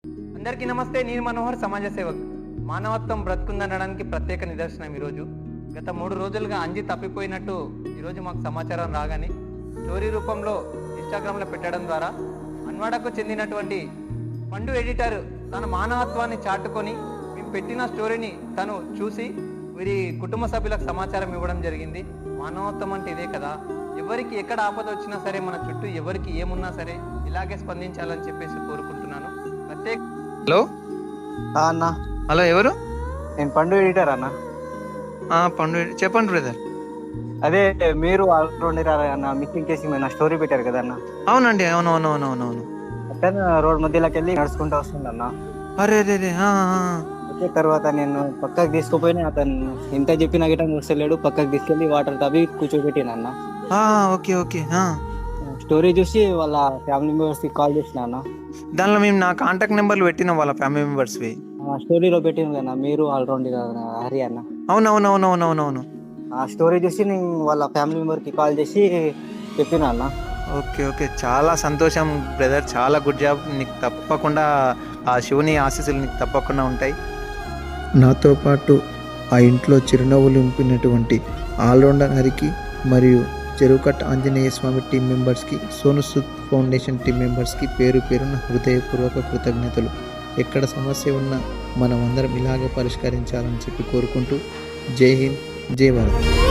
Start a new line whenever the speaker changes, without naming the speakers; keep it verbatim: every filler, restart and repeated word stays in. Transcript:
అందరికీ నమస్తే. నేను మనోహర్, సమాజ సేవక్. మానవత్వం బ్రతుకుందనడానికి ప్రత్యేక నిదర్శనం ఈరోజు. గత మూడు రోజులుగా అంజి తప్పిపోయినట్టు ఈరోజు మాకు సమాచారం రాగానే స్టోరీ రూపంలో ఇన్స్టాగ్రామ్లో పెట్టడం ద్వారా అన్వాడకు చెందినటువంటి పండు ఎడిటర్ తన మానవత్వాన్ని చాటుకొని మేము పెట్టిన స్టోరీని తను చూసి వీరి కుటుంబ సభ్యులకు సమాచారం ఇవ్వడం జరిగింది. మానవత్వం అంటే ఇదే కదా, ఎవరికి ఎక్కడ ఆపద వచ్చినా సరే, మన చుట్టూ ఎవరికి ఏమున్నా సరే ఇలాగే స్పందించాలని చెప్పేసి కోరుకుంటున్నాను. ప్రత్యేక
హలో
అన్న,
హలో ఎవరు?
నేను పండు ఎడిటర్ అన్న.
ఆ, పండు చెప్పండి బ్రదర్.
అదే మీరు ఆల్రౌండర్ అన్న, మిస్సింగ్ కేసు మీద స్టోరీ పెట్టారు కదా అన్న.
అవునండి, అవును అవును అవును అవును అవును
అతను రోడ్ మధ్యలోకి వెళ్ళి నడుచుకుంటూ వస్తుందన్న.
అరే రే రే ఆ, ఆ,
అయితే తర్వాత నేను పక్కకు తీసుకుపోయినా, అతను ఎంత చెప్పినా గిట్ట మూసలేడు. పక్కకు తీసుకెళ్ళి వాటర్ తవ్వి కూర్చోబెట్టినన్న.
ఆ, ఓకే ఓకే ఆ.
స్టోరీ చూసి వాళ్ళ ఫ్యామిలీ మెంబర్స్ కి కాల్ చేసిన అన్న.
దానిలో మేము నా కాంటాక్ట్ నెంబర్లు పెట్టినాం వాళ్ళ ఫ్యామిలీ మెంబర్స్వి.
ఆ స్టోరీలో పెట్టిన కదా మీరు ఆల్రౌండర్ హరి అన్న.
అవును అవును అవును అవును అవును అవును
ఆ స్టోరీ చూసి నేను వాళ్ళ ఫ్యామిలీ మెంబర్ కి కాల్ చేసి చెప్పిన అన్న.
ఓకే ఓకే చాలా సంతోషం బ్రదర్, చాలా గుడ్ జాబ్. నీకు తప్పకుండా ఆ శివుని ఆశీస్సులు నీకు తప్పకుండా ఉంటాయి.
నాతో పాటు ఆ ఇంట్లో చిరునవ్వులు నింపినటువంటి ఆల్రౌండర్ హరికి మరియు చెరువుకట్ట ఆంజనేయ స్వామి టీం మెంబర్స్కి, సోను సూద్ ఫౌండేషన్ టీం మెంబర్స్కి పేరు పేరున హృదయపూర్వక కృతజ్ఞతలు. ఎక్కడ సమస్య ఉన్నా మనం అందరం ఇలాగే పరిష్కరించాలని చెప్పి కోరుకుంటూ జై హింద్, జై భారత్.